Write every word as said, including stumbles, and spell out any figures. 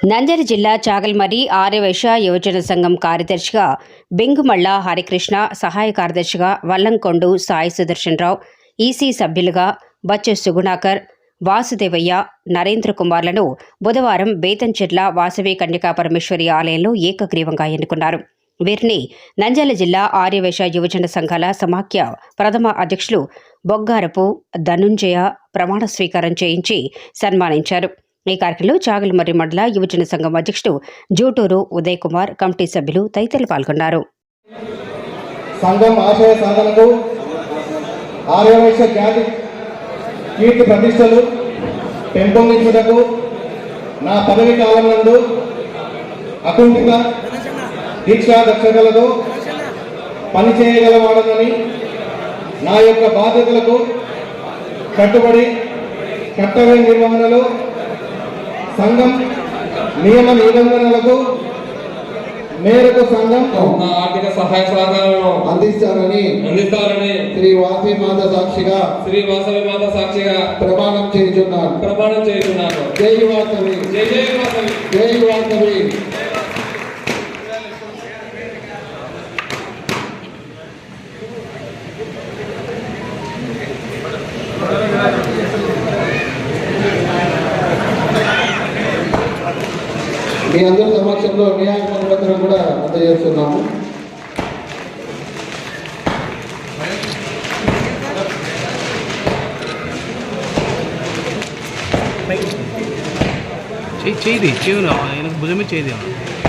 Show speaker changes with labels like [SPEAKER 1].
[SPEAKER 1] నంద్యాల జిల్లా చాగల్మరి ఆర్యవైశ్య యువజన సంఘం కార్యదర్శిగా బెంగుమళ్ళ హరికృష్ణ, సహాయ కార్యదర్శిగా వల్లంకొండు సాయి సుదర్శన్ రావు, ఈసీ సభ్యులుగా బచ్చు సుగుణాకర్, వాసుదేవయ్య, నరేంద్ర కుమార్లను బుధవారం బేతంచెర్ల వాసవి కన్యకా పరమేశ్వరి ఆలయంలో ఏకగ్రీవంగా ఎన్నుకున్నారు. వీరిని నంద్యాల జిల్లా ఆర్యవైశ్య యువజన సంఘాల సమాఖ్య ప్రథమ అధ్యక్షులు బొగ్గారపు ధనుంజయ ప్రమాణ స్వీకారం చేయించి సన్మానించారు. ఈ కార్యక్రమంలో చాగల్మరి మండల యువజన సంఘం అధ్యక్షుడు జూటూరు ఉదయ్ కుమార్, కమిటీ సభ్యులు తదితరులు పాల్గొన్నారు.
[SPEAKER 2] సంఘం ఆశయ సాధనకు ఆర్యవైశ్య జాతి కీర్తి ప్రతిష్టలు పెంపొందించుటకు నా పదవి కాలం నందు అకుంఠిత దీక్షా దక్షతలతో పనిచేయగలవాడనని, నా యొక్క బాధ్యతలకు కట్టుబడి కర్తవ్య నిర్వహణలో సంఘం నియమ నిబంధనలకు మేరకు సంఘం
[SPEAKER 3] ఆర్థిక సహాయ సహకారాలను
[SPEAKER 2] అందిస్తారని
[SPEAKER 3] అందిస్తారని
[SPEAKER 2] శ్రీ వాసవి మాత సాక్షిగా
[SPEAKER 3] శ్రీ వాసవి మాత సాక్షిగా
[SPEAKER 2] ప్రమాణం చేయుచున్నాను
[SPEAKER 3] ప్రమాణం చేయుచున్నాను.
[SPEAKER 2] జై వాసవి,
[SPEAKER 3] జై జై వాసవి,
[SPEAKER 2] జై వాసవి. మీ అందరి సమక్షంలో నియామక పత్రం కూడా అందజేస్తున్నాము.
[SPEAKER 4] చేయి చేయి చేయను భుజమే చేయి